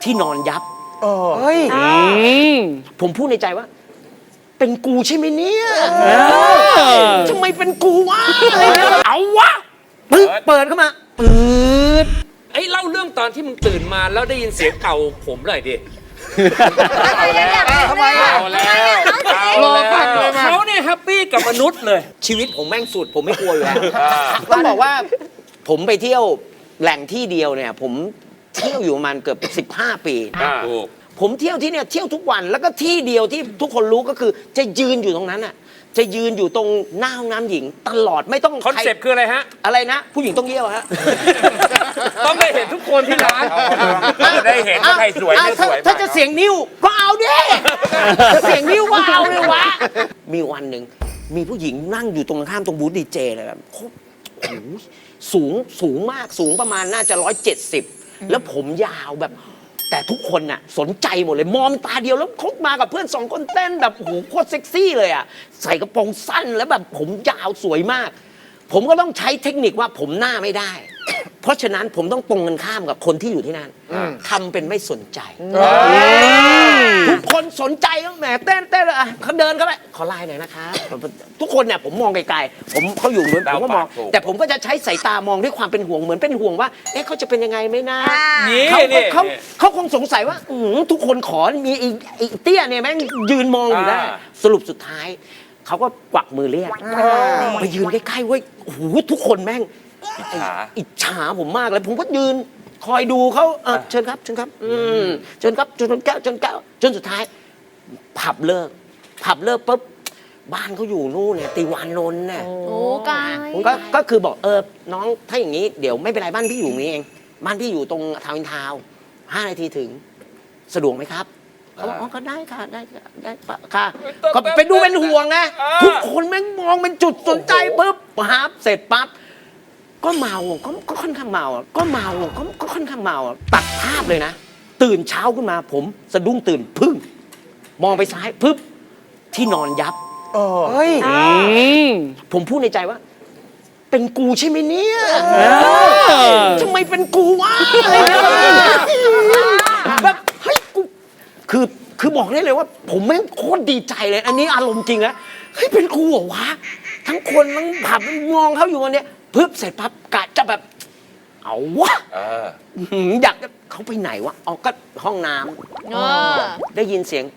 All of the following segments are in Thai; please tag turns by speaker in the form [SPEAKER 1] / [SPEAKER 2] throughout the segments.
[SPEAKER 1] ที่นอนยับ
[SPEAKER 2] เฮ้ย
[SPEAKER 1] ผมพูดในใจว่า เป็นกูใช่ไหมเนี่ยทำไมเป็นกูวะเอาวะปึ๊บเปิดเข้ามาปืด
[SPEAKER 3] ไอ้เล่าเรื่องตอนที่มึงตื่นมาแล้วได้ยินเสียงเป่าผมหน่อยดิ
[SPEAKER 2] ทำไมอ่ะ
[SPEAKER 3] เอาแล้ว
[SPEAKER 2] รอฟังเลยมา
[SPEAKER 3] เขาเนี่ยแฮปปี้กับมนุษย์เลย
[SPEAKER 1] ชีวิตผมแม่งสุดผมไม่กลัวอยู่แล้วต้องบอกว่าผมไปเที่ยวแหล่งที่เดียวเนี่ย ผมเที่ยวอยู่ประมาณเกือบ15 ปีผมเที่ยวที่เนี่ยเที่ยวทุกวันแล้วก็ที่เดียวที่ทุกคนรู้ก็คือจะยืนอยู่ตรงนั้นอ่ะจะยืนอยู่ตรงหน้าห้องน้ำหญิงตลอดไม่ต้อง
[SPEAKER 3] คอนเซปต์คืออะไรฮะ
[SPEAKER 1] อะไรนะ ผู้หญิงต้องเยี่ยวฮะ
[SPEAKER 3] ต้องได้เห็นทุกคนที่ร้าน
[SPEAKER 4] จะได้เห็นว่าใครสวยไม่สวย
[SPEAKER 1] ถ้าจะเสียงนิ้วก็เอาดิจะเสียงนิ้วก็เอาเลยวะมีวันหนึ่งมีผู้หญิงนั่งอยู่ตรงข้ามตรงบูธดีเจเลยแบบโอ้โหสูงมากสูงประมาณน่าจะ170แล้วผมยาวแบบแต่ทุกคนน่ะสนใจหมดเลยมองตาเดียวแล้วเขามากับเพื่อน2 คนเต้นแบบโอ้โหโคตรเซ็กซี่เลยอ่ะใส่กระโปรงสั้นแล้วแบบผมยาวสวยมากผมก็ต้องใช้เทคนิคว่าผมหน้าไม่ได้ เพราะฉะนั้นผมต้องตรงกันข้ามกับคนที่อยู่ที่นั่นทำเป็นไม่สนใจทุกคนสนใจก็แหมเต้นอ่ะเขาเดินเข้าไปขอไลน์หน่อยนะคะทุกคนเนี่ยผมมองไกลๆเขาอยู่เหมือนผมก็มองแต่ผมก็จะใช้สายตามองด้วยความเป็นห่วงเหมือนเป็นห่วงว่าเอ๊ะเขาจะเป็นยังไงไหมนะเขาคงสงสัยว่าทุกคนขอมีไอ้เตี้ยเนี่ยแม่งยืนมองอยู่ได้สรุปสุดท้ายเขาก็กวักมือเรียกไปยืนใกล้ๆเว้ยโอ้โหทุกคนแม่งอิจฉาผมมากเลยผมก็ยืนคอยดูเขาเชิญครับเชิญครับเชิญครับจนแก้วจนสุดท้ายผับเลิกปุ๊บบ้านเขาอยู่นู่นเนี่ยติวานนท์เนี่ย
[SPEAKER 5] โอ้ไกล
[SPEAKER 1] ก็คือบอกน้องถ้าอย่างนี้เดี๋ยวไม่เป็นไรบ้านพี่อยู่นี่เองบ้านพี่อยู่ตรงทาวน์อินทาวน์5 นาทีถึงสะดวกไหมครับเขาบอกก็ได้ค่ะได้ค่ะก็ไปดูเป็นห่วงนะทุกคนแม่งมองเป็นจุดสนใจปุ๊บปั๊บเสร็จปั๊บก็เมาก็ค่อนข้างเมาก็ค่อนข้างเมาตัดภาพเลยนะตื่นเช้าขึ้นมาผมสะดุ้งตื่นพึ่งมองไปซ้ายปึ๊บที่นอนยับ
[SPEAKER 2] เฮ้ย
[SPEAKER 1] ผมพูดในใจว่า เป็นกูใช่ไหมเนี่ยทำไมเป็นกูวะแบบเฮ้ยกูคือบอกได้เลยว่า ผมแม่งโคตรดีใจเลยอันนี้อารมณ์จริงนะเฮ้ยเป็นกูเหรอวะทั้งคนทั้งผับมองเขาอยู่วันเนี้ยปึ๊บเสร็จปั๊บกะจะแบบเอาวะอยากเขาไปไหนวะเอาก็ห้องน้ำได้ยินเสียง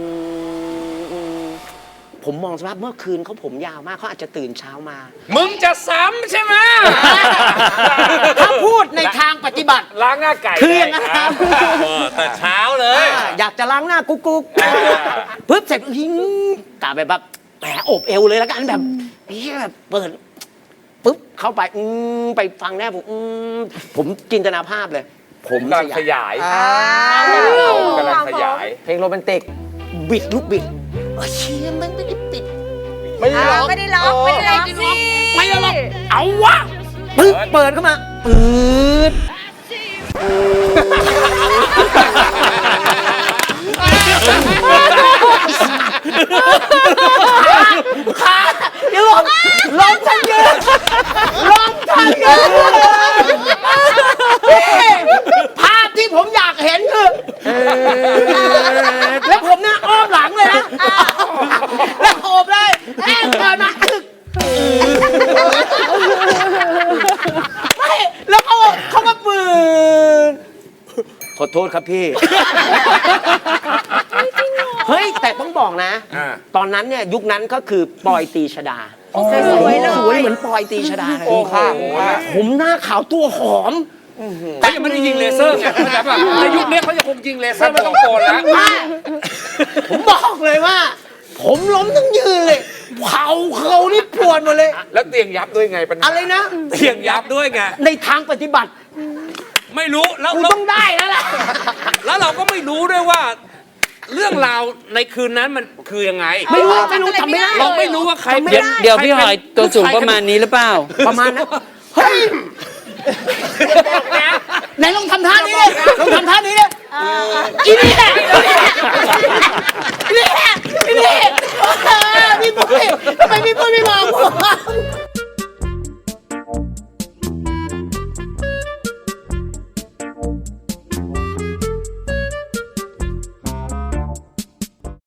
[SPEAKER 1] ผมมองสภาพเมื่อคืนเขาผมยาวมากเขาอาจจะตื่นเช้ามา
[SPEAKER 3] มึงจะซ้ำใช่ไหม
[SPEAKER 1] ถ้าพูดในทางปฏิบัติ
[SPEAKER 3] ล้างหน้าไก่
[SPEAKER 1] คืออย่างนั้นครับ
[SPEAKER 3] แต่เช้าเลย
[SPEAKER 1] อยากจะล้างหน้ากุ๊กปึ๊บเสร็จกะแบบแหมอบเอวเลยแล้วกันแบบแบบเปิดปึ๊บเข้าไปไปฟังแน่ผมจินตนาภาพเลยผม
[SPEAKER 4] กำลังขยายกำลังขยาย
[SPEAKER 2] เพลงโรแมนติก
[SPEAKER 1] บิดลูกบิดเชี่ยมันไม่ได้ปิด
[SPEAKER 2] ไม่ได้ล็อก
[SPEAKER 5] ไม่ได้ล็อกไม่ได้ล็อกสิ
[SPEAKER 1] ไม่ได้ล็อกเอาวะปึ๊บเปิดเข้ามาปืดขาอย่าลองทันยืนภาพที่ผมอยากเห็นคือแล้วผมเนี่ยอ้อมหลังเลยนะแล้วโอบเลยเกิดมาไม่แล้วเขามาปืนขอโทษครับพี่เฮ้ยแต่ต้องบอกนะตอนนั้นเนี่ยยุคนั้นก็คือปอยตีชดา
[SPEAKER 5] สวยเลย
[SPEAKER 1] สวยเหมือนปอยตีชดาเลยผมหน้าขาวตัวหอม
[SPEAKER 3] เขายังไม่ได้ยิงเลเซอร์ไงในยุคนี้เขาจะคงยิงเลเซอร์ไม่ต้องโกนแล้ว
[SPEAKER 1] ผมบอกเลยว่าผมล้มทั้งยืนเลยเขานี่ปวดหมดเลย
[SPEAKER 4] แล้วเตียงยับด้วยไงปัญหา
[SPEAKER 1] อะไรนะ
[SPEAKER 3] เตียงยับด้วยไง
[SPEAKER 1] ในทางปฏิบัติ
[SPEAKER 3] ไม่รู้แล้ว
[SPEAKER 1] ต้องได้แล้วแหละ
[SPEAKER 3] แล้วเราก็ไม่รู้ด้วยว่าเรื่องราวในคืนนั้นมันคือยังไง
[SPEAKER 1] ไม่รู้ทำไม่ได้
[SPEAKER 3] เราไม่รู้ว่าใคร
[SPEAKER 6] เดี๋ยวพี่หอยตัวสูงประมาณนี้หรือเปล่า
[SPEAKER 1] ประมาณนั้นเฮ้ยไหนลองทำท่านี้เลยอีนี่แหละ